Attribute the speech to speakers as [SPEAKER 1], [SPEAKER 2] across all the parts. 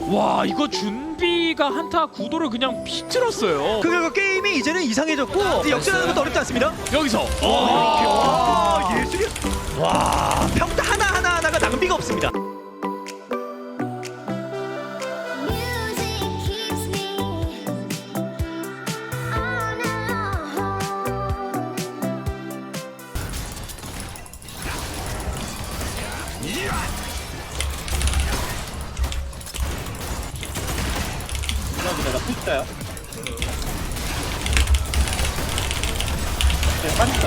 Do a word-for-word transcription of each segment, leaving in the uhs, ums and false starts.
[SPEAKER 1] 와 이거 준비가 한타 구도를 그냥 비틀었어요.
[SPEAKER 2] 그 결과 게임이 이제는 이상해졌고 이제 역전하는 것도 어렵지 않습니다.
[SPEAKER 1] 여기서
[SPEAKER 2] 와, 예술이. 와, 평타 하나 하나 하나가 낭비가 없습니다.
[SPEAKER 3] Music keeps me on alone.
[SPEAKER 4] 나 푸시다요. 네, 빠진다.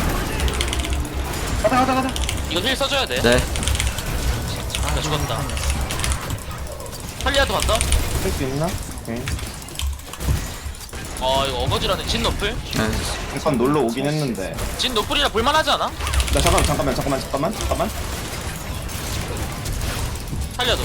[SPEAKER 4] 가자, 가자, 가자.
[SPEAKER 5] 이거 힐 써줘야 돼.
[SPEAKER 6] 네.
[SPEAKER 5] 나 죽었다. 탈리아도 간다?
[SPEAKER 4] 할 수 있나? 오케이.
[SPEAKER 5] 어 이거 어거지라는 진 노플?
[SPEAKER 6] 네.
[SPEAKER 4] 잠깐 놀러 오긴 했는데.
[SPEAKER 5] 진 노플이라 볼만하지 않아?
[SPEAKER 4] 나 잠깐만, 잠깐만, 잠깐만, 잠깐만, 잠깐만.
[SPEAKER 5] 탈리아도.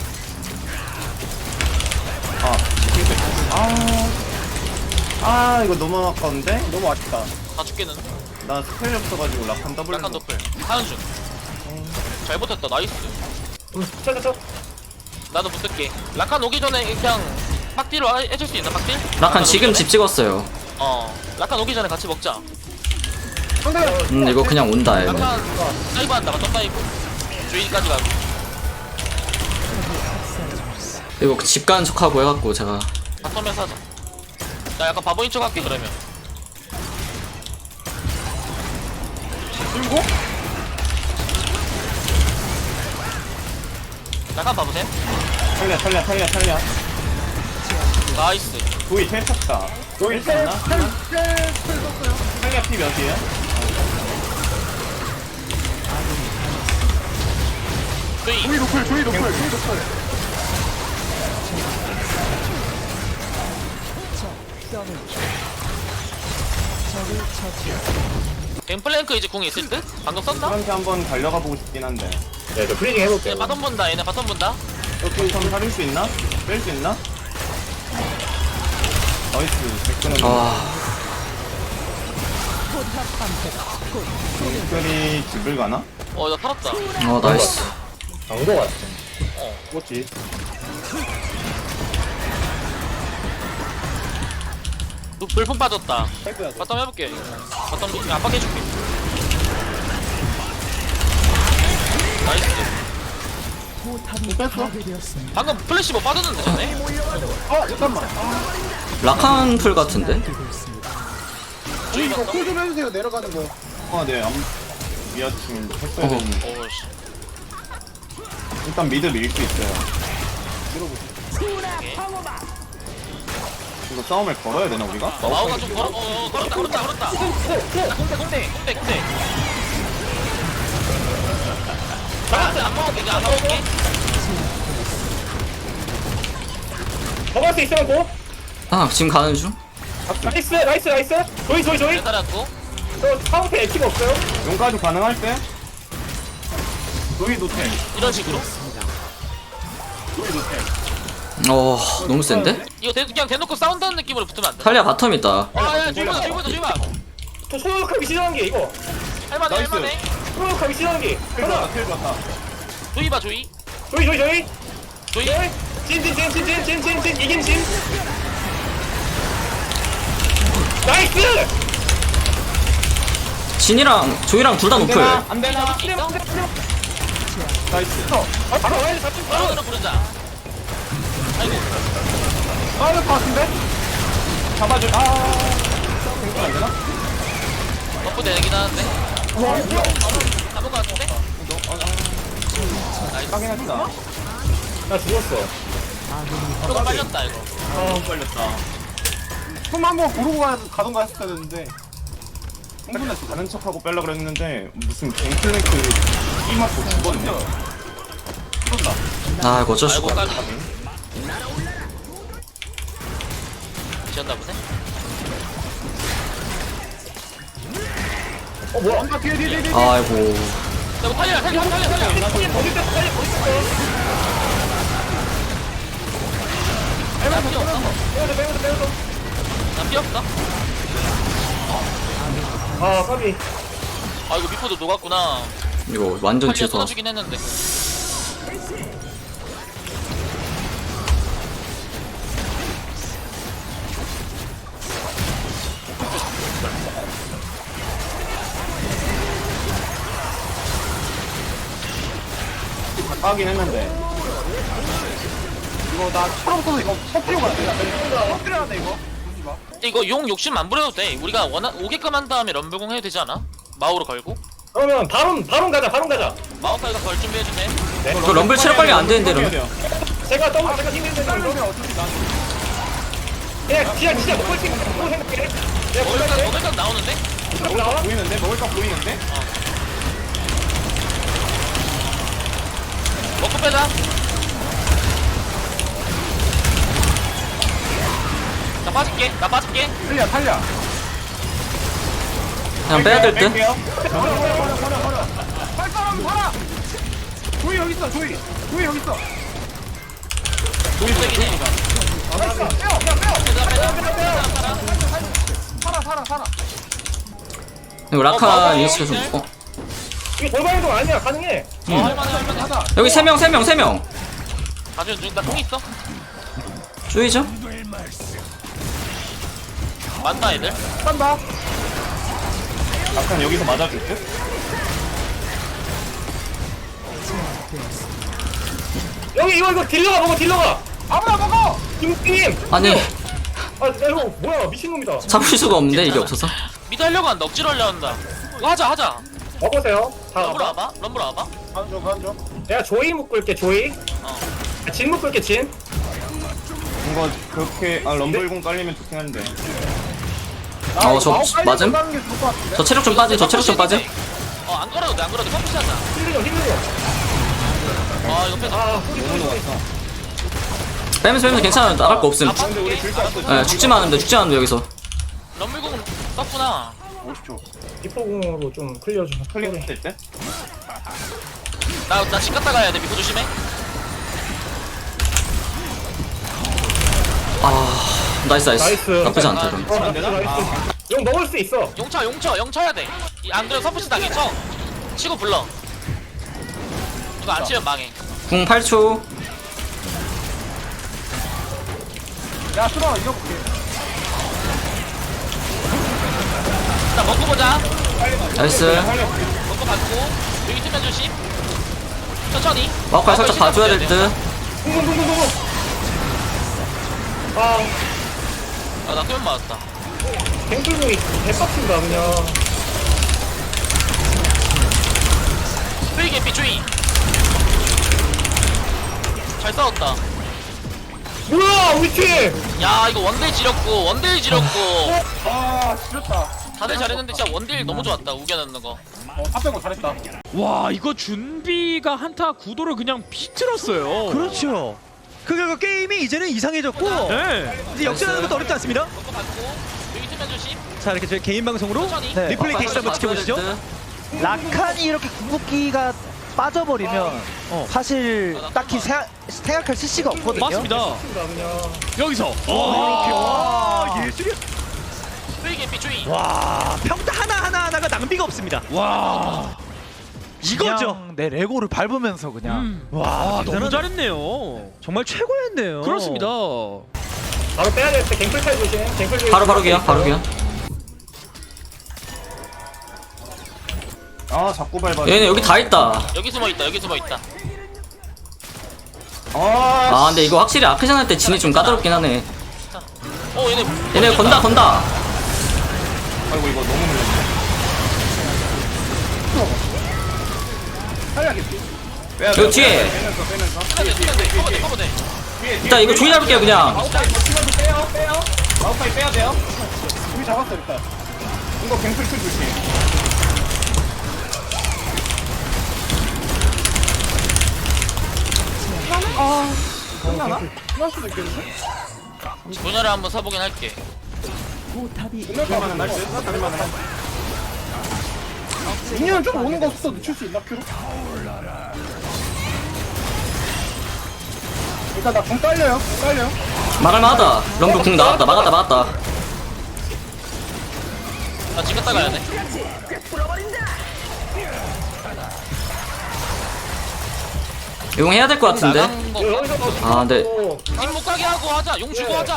[SPEAKER 4] 아, 실패. 아, 아, 이거 너무 아까운데? 너무 아쉽다.
[SPEAKER 5] 다 죽겠는.
[SPEAKER 4] 나 스펠이 없어가지고 라칸 더블.
[SPEAKER 5] 약간 노플. 하은 중. 잘 버텼다. 나이스.
[SPEAKER 4] 쳐, 쳐, 쳐.
[SPEAKER 5] 나도 붙을게. 라칸 오기 전에 그냥 빡딜로 해- 해줄 수 있나 빡딜?
[SPEAKER 6] 라칸 지금
[SPEAKER 5] 오기
[SPEAKER 6] 집 찍었어요.
[SPEAKER 5] 전에? 어. 라칸 오기 전에 같이 먹자.
[SPEAKER 6] 음 이거 그냥 온다 얘네.
[SPEAKER 5] 라칸 다이브 한다. 또 다이브. 주인까지 가고.
[SPEAKER 6] 이거 집 가는 척하고 해갖고 제가
[SPEAKER 5] 바텀에서 하자. 나 약간 바보인 척 할게 그러면.
[SPEAKER 4] 들고?
[SPEAKER 5] 라칸 봐보세요.
[SPEAKER 4] 탈리아, 탈리아, 탈리아, 탈리아.
[SPEAKER 5] 나이스.
[SPEAKER 4] 도이 제일 찼다. 도이 찼나? 탈리아 피 몇이에요?
[SPEAKER 5] 주인.
[SPEAKER 4] 도이 노플, 도이 노플, 도이 노플.
[SPEAKER 5] 갱플랭크 이제 궁이 있을 듯? 방금 썼나?
[SPEAKER 4] 저한테 한번 달려가 보고 싶긴 한데.
[SPEAKER 7] 네, 저 프리징 해볼게요.
[SPEAKER 5] 얘 바텀 본다. 얘네 바텀 본다.
[SPEAKER 4] 여기 선 살릴 수 있나? 뺄 수 있나? 나이스, 백근은.
[SPEAKER 6] 아
[SPEAKER 4] 특별히 집을 가나?
[SPEAKER 5] 어, 나 살았다.
[SPEAKER 6] 어 나이스.
[SPEAKER 7] 강도 같은.
[SPEAKER 5] 어.
[SPEAKER 4] 뭐지?
[SPEAKER 5] 너 불품 빠졌다.
[SPEAKER 4] 뺄거야.
[SPEAKER 5] 바텀 해볼게. 바텀 압박해줄게. 나이스.
[SPEAKER 4] 뺐어?
[SPEAKER 5] 방금 플래시 뭐 빠졌는데 전에?
[SPEAKER 4] 어, 잠깐만.
[SPEAKER 6] 라칸 풀 같은데?
[SPEAKER 5] 주인 갔다?
[SPEAKER 4] 좀 해주세요, 내려가는 거. 아, 네. 암... 미아침 했어야
[SPEAKER 6] 어허.
[SPEAKER 4] 되는데.
[SPEAKER 5] 오씨.
[SPEAKER 4] 일단 미드 밀 수 있어요. 이거 싸움을 걸어야 되나, 우리가?
[SPEAKER 5] 마오가 좀 걸어. 어, 어, 걸었다, 걸었다, 걸었다. 공대, 공대, 공대, 공대. 나한테 안 먹을게, 이제 안 먹을게.
[SPEAKER 7] 먹을 수 있으면 고.
[SPEAKER 6] 아 지금 가는 중?
[SPEAKER 7] 나이스, 나이스, 나이스. 조이, 조이, 조이.
[SPEAKER 5] 기다렸고.
[SPEAKER 7] 저 카운트 에티가 없어요.
[SPEAKER 4] 용까지 가능할 때? 노이 노템.
[SPEAKER 5] 이런 식으로.
[SPEAKER 4] 노이 노템.
[SPEAKER 6] 어 너무 센데?
[SPEAKER 5] 이거 대, 그냥 대놓고 싸운다는 느낌으로 붙으면 안 돼.
[SPEAKER 6] 탈리아 바텀 있다.
[SPEAKER 5] 아, 야, 주인보다, 주인보다, 주인보다.
[SPEAKER 7] 저 소유욕하기 싫어하는 게 이거.
[SPEAKER 5] 할만해,
[SPEAKER 4] 나이스.
[SPEAKER 5] 할만해.
[SPEAKER 7] 소유욕하기 싫어하는 게.
[SPEAKER 4] 킬
[SPEAKER 7] 하나.
[SPEAKER 4] 좋다, 킬 좋다.
[SPEAKER 5] 조이 봐, 조이.
[SPEAKER 7] 조이, 조이, 조이.
[SPEAKER 5] 조이.
[SPEAKER 7] 조이. 진, 진, 진, 진, 진, 진, 진, 진. 이긴 진. 나이스.
[SPEAKER 6] 진이랑 조이랑 둘 다 노플.
[SPEAKER 4] 안 되나?
[SPEAKER 5] 있어?
[SPEAKER 4] 나이스.
[SPEAKER 7] 아, 바로 와야 돼. 잡힌 거.
[SPEAKER 5] 바로 부르자. 아이고.
[SPEAKER 4] 빠를 것 같은데? 잡아줄. 아. 생각 안 되나?
[SPEAKER 5] 버프 되긴 하는데. 잡은 거 같은데? 나이스.
[SPEAKER 4] 하긴 했다.
[SPEAKER 7] 나 죽었어.
[SPEAKER 5] 조금 빨렸다, 이거.
[SPEAKER 4] 아, 걸렸다. 손 한번 고르고 가, 가던가 했어야 되는데. 흥분해서 가는 척하고 빼려 그랬는데 무슨 갱플랭크 이 맞고 죽었네.
[SPEAKER 6] 아 이거 어쩔
[SPEAKER 5] 아이고,
[SPEAKER 6] 수가.
[SPEAKER 5] 까비. 지었나 보네?
[SPEAKER 7] 어, 뭐야? 아, 뒤에, 뒤에, 뒤에, 뒤에.
[SPEAKER 6] 아이고.
[SPEAKER 5] 야, 뭐 탈리야, 탈리야, 탈리야, 탈리야.
[SPEAKER 7] 어디 뺐어? 빨리 어디 뺐어?
[SPEAKER 5] 나 필요 없어.
[SPEAKER 7] 빼면서, 빼면서, 빼면서.
[SPEAKER 5] 나 필요 없어.
[SPEAKER 7] 아, 까비.
[SPEAKER 5] 아, 이거 미포도 녹았구나.
[SPEAKER 6] 이거 완전
[SPEAKER 5] 탈리야
[SPEAKER 6] 취소.
[SPEAKER 5] 쏟아주긴 했는데.
[SPEAKER 4] 하긴 했는데 이거 나 처음부터 이거 터뜨리고 가야 돼. 터뜨려야 돼 이거.
[SPEAKER 5] 이거 용 욕심 안 부려도 돼. 우리가 원하 오게끔 한 다음에 럼블공 해도 되지 않아? 마우로 걸고.
[SPEAKER 7] 그러면 바론 바론 가자 바론 가자.
[SPEAKER 5] 마우카이가 걸 준비해주네.
[SPEAKER 6] 그 럼블 체력 관리 안 되는데 럼.
[SPEAKER 7] 제가 더블 제가 힘있는 데
[SPEAKER 4] 그러면 어차피 나는
[SPEAKER 7] 그냥 진짜 진짜 먹을 수 있는 거 생각해. 내가
[SPEAKER 5] 먹을 건
[SPEAKER 7] 골랐대.
[SPEAKER 5] 먹을 건 나오는데?
[SPEAKER 4] 먹을 거 보이는데 먹을 거 보이는데.
[SPEAKER 5] 먹고 빼자. 나 빠질게. 나 빠질게.
[SPEAKER 4] 탈려 탈려.
[SPEAKER 6] 그냥 빼야 될 듯.
[SPEAKER 4] 뺄게요. 버려 버려 버려 버려 버려. 팔 사람 살아. 조이 여기 있어 조이. 조이 여기 있어.
[SPEAKER 5] 세긴 해.
[SPEAKER 4] 알았어. 빼요 그냥 빼요.
[SPEAKER 5] 빼자 빼자.
[SPEAKER 4] 살아 살아 살아.
[SPEAKER 6] 이거
[SPEAKER 5] 어,
[SPEAKER 6] 라카
[SPEAKER 5] 맞아.
[SPEAKER 6] 인스가 좀. 어.
[SPEAKER 7] 이게 돌발 행동 아니야 가능해.
[SPEAKER 5] 어, 할만해 할만해.
[SPEAKER 4] 하자.
[SPEAKER 6] 여기 세 명 세 명 세 명.
[SPEAKER 5] 가져온 중. 나통 있어.
[SPEAKER 6] 쪼이죠?
[SPEAKER 5] 많다 애들.
[SPEAKER 4] 간다. 약간 여기서 맞아줄 듯?
[SPEAKER 7] 여기 이거 이거 딜러가 먹어 딜러가.
[SPEAKER 4] 아무나 먹어.
[SPEAKER 7] 김님.
[SPEAKER 6] 아니
[SPEAKER 7] 아 이거 뭐야 미친놈이다.
[SPEAKER 6] 잡을 수가 없는데 이게 없어서.
[SPEAKER 5] 미드 하려고 한다. 억지로 하려고 한다. 이거 하자 하자.
[SPEAKER 7] 먹으세요. 다
[SPEAKER 5] 럼블
[SPEAKER 7] 와봐.
[SPEAKER 5] 와봐. 럼블 와봐.
[SPEAKER 4] 간줘 간줘.
[SPEAKER 7] 내가 조이 묶을게 조이.
[SPEAKER 5] 어.
[SPEAKER 7] 아, 진 묶을게 진.
[SPEAKER 4] 이거 그렇게 아 럼블공 깔리면 좋긴 한데.
[SPEAKER 6] 어, 저 맞음? 저 체력 좀 빠지. 저 체력 좀 빠지.
[SPEAKER 5] 어안 걸어도 돼안 걸어도 돼. 펌프시 하자.
[SPEAKER 7] 힘들어 힘들어.
[SPEAKER 5] 아 이거 빼자.
[SPEAKER 7] 아 소리 소리 소리.
[SPEAKER 6] 빼면서 빼면서 괜찮아. 나갈 거 없음.
[SPEAKER 5] 아, 빠질게.
[SPEAKER 6] 예, 죽지만 않는데 죽지 않는데 여기서.
[SPEAKER 5] 럼블공 썼구나.
[SPEAKER 4] 오십 초.
[SPEAKER 7] 디포공으로 좀 클리어 좀.
[SPEAKER 4] 클리어 될 때?
[SPEAKER 5] 나나 집 갔다 가야 돼. 미포 조심해.
[SPEAKER 6] 아 나이스 나이스.
[SPEAKER 7] 나이스.
[SPEAKER 6] 나쁘지 않다 이건.
[SPEAKER 7] 어, 나이스 나이스. 용 먹을 수 있어.
[SPEAKER 5] 용쳐 용쳐 용쳐야 돼. 이- 안 그러면 서포시 당해. 쳐. 치고 불러. 이거 안 치면 망해.
[SPEAKER 6] 궁 팔 초.
[SPEAKER 4] 야 수라 이겨볼게.
[SPEAKER 5] 자 먹고 보자.
[SPEAKER 6] 나이스.
[SPEAKER 5] 먹고 받고 여기 쓰면 조심. 천천히.
[SPEAKER 6] 마우카이 살짝
[SPEAKER 5] 마우카이
[SPEAKER 6] 봐줘야
[SPEAKER 5] 신경
[SPEAKER 6] 될
[SPEAKER 5] 써야 돼.
[SPEAKER 6] 듯.
[SPEAKER 7] 붕붕붕붕붕. 아
[SPEAKER 5] 아, 나 끄면 맞았다.
[SPEAKER 7] 갱플공이 개빡친다 그냥.
[SPEAKER 5] 프리 개피 주의. 잘 싸웠다.
[SPEAKER 7] 뭐야 우리 팀.
[SPEAKER 5] 야 이거 원딜 지렸고 원딜 지렸고
[SPEAKER 4] 아 지렸다.
[SPEAKER 5] 다들 잘했는데 진짜 원딜 너무 좋았다. 우겨 넣는 거.
[SPEAKER 4] 어 탑백고 잘했다.
[SPEAKER 1] 와 이거 준비가 한타 구도를 그냥 비틀었어요.
[SPEAKER 2] 그렇죠. 그러니까 게임이 이제는 이상해졌고
[SPEAKER 1] 네.
[SPEAKER 2] 이제 역전하는 것도 어렵지 않습니다.
[SPEAKER 5] 먹고 받고 여기 쓰면 조심.
[SPEAKER 2] 자 이렇게 저희 개인 방송으로
[SPEAKER 5] 천천히.
[SPEAKER 2] 네, 리플레이 게시트 한번
[SPEAKER 6] 봐줘야 될
[SPEAKER 2] 지켜보시죠.
[SPEAKER 6] 듯.
[SPEAKER 8] 라칸이 이렇게 궁극기가 빠져버리면
[SPEAKER 2] 어.
[SPEAKER 8] 사실 딱히 생각, 생각할 시시가 없거든요.
[SPEAKER 1] 맞습니다.
[SPEAKER 7] 그냥.
[SPEAKER 1] 여기서
[SPEAKER 2] 이렇게 와 예술이.
[SPEAKER 5] 프리 개피 주의.
[SPEAKER 2] 와 평타 하나 하나 하나가 낭비가 없습니다.
[SPEAKER 1] 와.
[SPEAKER 2] 이거죠.
[SPEAKER 8] 그냥 내 레고를 밟으면서 그냥
[SPEAKER 1] 음.
[SPEAKER 2] 와
[SPEAKER 1] 아, 너무
[SPEAKER 2] 대단하네.
[SPEAKER 1] 잘했네요.
[SPEAKER 2] 정말 최고였네요.
[SPEAKER 1] 그렇습니다.
[SPEAKER 7] 바로 빼야 될 때 갱플 탈 조심. 갱플 조심.
[SPEAKER 6] 바로 바로 기야 바로 기야.
[SPEAKER 4] 아 자꾸 밟아.
[SPEAKER 6] 얘네 여기 다 있다.
[SPEAKER 5] 여기 숨어 있다. 여기 숨어 있다.
[SPEAKER 4] 아.
[SPEAKER 6] 아 근데 이거 확실히 아크전 할 때 진이 좀 까다롭긴 하네.
[SPEAKER 5] 어 얘네.
[SPEAKER 6] 얘네 건다 건다.
[SPEAKER 4] 아이고 이거 너무 물렸네. 살려야겠지.
[SPEAKER 6] 여기 뒤에.
[SPEAKER 4] 빼면서 빼면서.
[SPEAKER 5] 쓰면 돼. 쓰면 돼. 커버 돼. 커버 돼.
[SPEAKER 4] 뒤에 뒤에.
[SPEAKER 6] 일단 이거 조이 잡을게요 그냥.
[SPEAKER 4] 마우카이 버티면서 빼요 빼요. 마우카이 빼야 돼요. 우리 잡았어 일단. 이거 갱플 킬 조심.
[SPEAKER 5] 분야를 한번 사보긴 할게.
[SPEAKER 4] 끝날만은 날씨. 끝날만은 날. 민현은 좀 오는 거 없어. 늦출 수 있나 큐로? 일단 나궁 딸려요. 궁 딸려요.
[SPEAKER 6] 막을만하다. 럼블 궁 나왔다. 막았다 막았다.
[SPEAKER 5] 나 집 갔다 가야 돼.
[SPEAKER 6] 이거 해야 될 것 같은데.
[SPEAKER 5] 나간 거.
[SPEAKER 7] 여기서 더
[SPEAKER 6] 아 근데
[SPEAKER 5] 집못 가게 하고 하자. 용 주고 하자.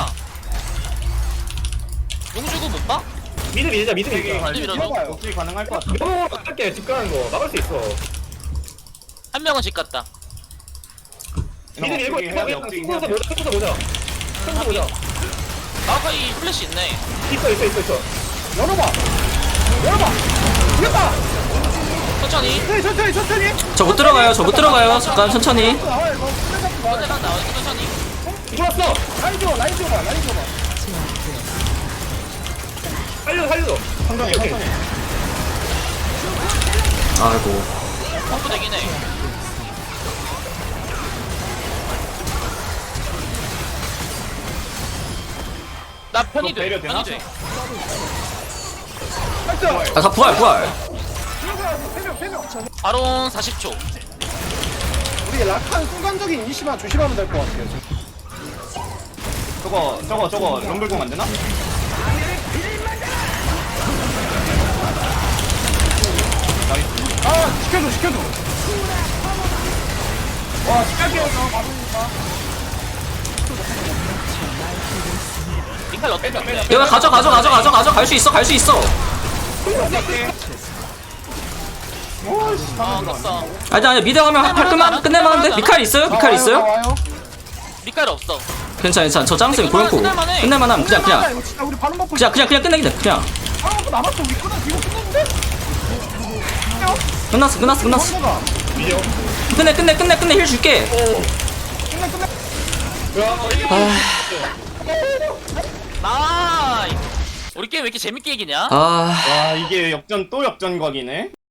[SPEAKER 5] 용 주고 못 봐?
[SPEAKER 7] 미드 밀자 미드
[SPEAKER 4] 되게
[SPEAKER 7] 밀자.
[SPEAKER 4] 관리
[SPEAKER 5] 밀어서.
[SPEAKER 4] 밀어봐요. 어떻게 가능할 것 같아.
[SPEAKER 7] 너무 어떻게 집 가는 거 막을 수 있어.
[SPEAKER 5] 한 명은 집 갔다.
[SPEAKER 7] 니들 일곱
[SPEAKER 4] 해야 돼,
[SPEAKER 7] 명
[SPEAKER 4] 업데이트
[SPEAKER 7] 스쿠서
[SPEAKER 4] 해야 돼.
[SPEAKER 7] 보자 스쿠서 보자 스쿠서 보자
[SPEAKER 5] 마오카이 플래시 있네.
[SPEAKER 7] 있어 있어 있어 있어 열어봐 열어봐 이겼다
[SPEAKER 5] 천천히.
[SPEAKER 7] 천천히 천천히 천천히
[SPEAKER 6] 저 못 들어가요. 저 못 들어가요. 잠깐 천천히.
[SPEAKER 7] 나와 이거 끝내 잡지 마
[SPEAKER 5] 언제 간다. 천천히.
[SPEAKER 7] 좋았어 라인 줘봐 라인 줘봐 라인 줘봐 살려 살려
[SPEAKER 4] 천천히 천천히.
[SPEAKER 6] 아이고.
[SPEAKER 5] 펌프 되긴 해. 나 편이 돼.
[SPEAKER 4] 배려 되나?
[SPEAKER 5] 편이 돼.
[SPEAKER 7] 나이스
[SPEAKER 6] 아, 다 부활 부활.
[SPEAKER 7] 세명세명
[SPEAKER 5] 바론 사십 초.
[SPEAKER 7] 우리 락한 순간적인 이니시만 조심하면 될 것 같아요
[SPEAKER 4] 저거 저거 저거 럼블공 안 되나?
[SPEAKER 7] 아 지켜줘 지켜줘 와 시작해요 저 받으니까
[SPEAKER 5] 니칼 어때?
[SPEAKER 6] 이거 가져 가져 가져 가져 가져 갈 수 있어 갈 수 있어.
[SPEAKER 5] 어, 껐어.
[SPEAKER 6] 아니 아니 미드 가면 할 끝만 끝낼만 한데. 미칼 있어요? 미칼 있어요?
[SPEAKER 7] 와요
[SPEAKER 5] 니칼 없어.
[SPEAKER 6] 괜찮아 괜찮아. 저 짱쌤 고용고
[SPEAKER 5] 끝낼만해.
[SPEAKER 6] 끝낼만함. 그냥 그냥
[SPEAKER 7] 이거 진짜 우리 바로 먹고
[SPEAKER 6] 그냥 그냥 그냥 끝내기 돼. 그냥
[SPEAKER 7] 아무것도 남았어 우리 끝났 이거 끝났는데?
[SPEAKER 6] 끝났어 끝났어 끝났어.
[SPEAKER 7] 넘어가
[SPEAKER 6] 끝내 끝내 끝내 끝내 힐 줄게.
[SPEAKER 7] 끝내 끝내
[SPEAKER 5] 나이. 우리 게임 왜 이렇게 재밌게 이기냐?
[SPEAKER 6] 아.
[SPEAKER 4] 와 이게 역전 또 역전각이네.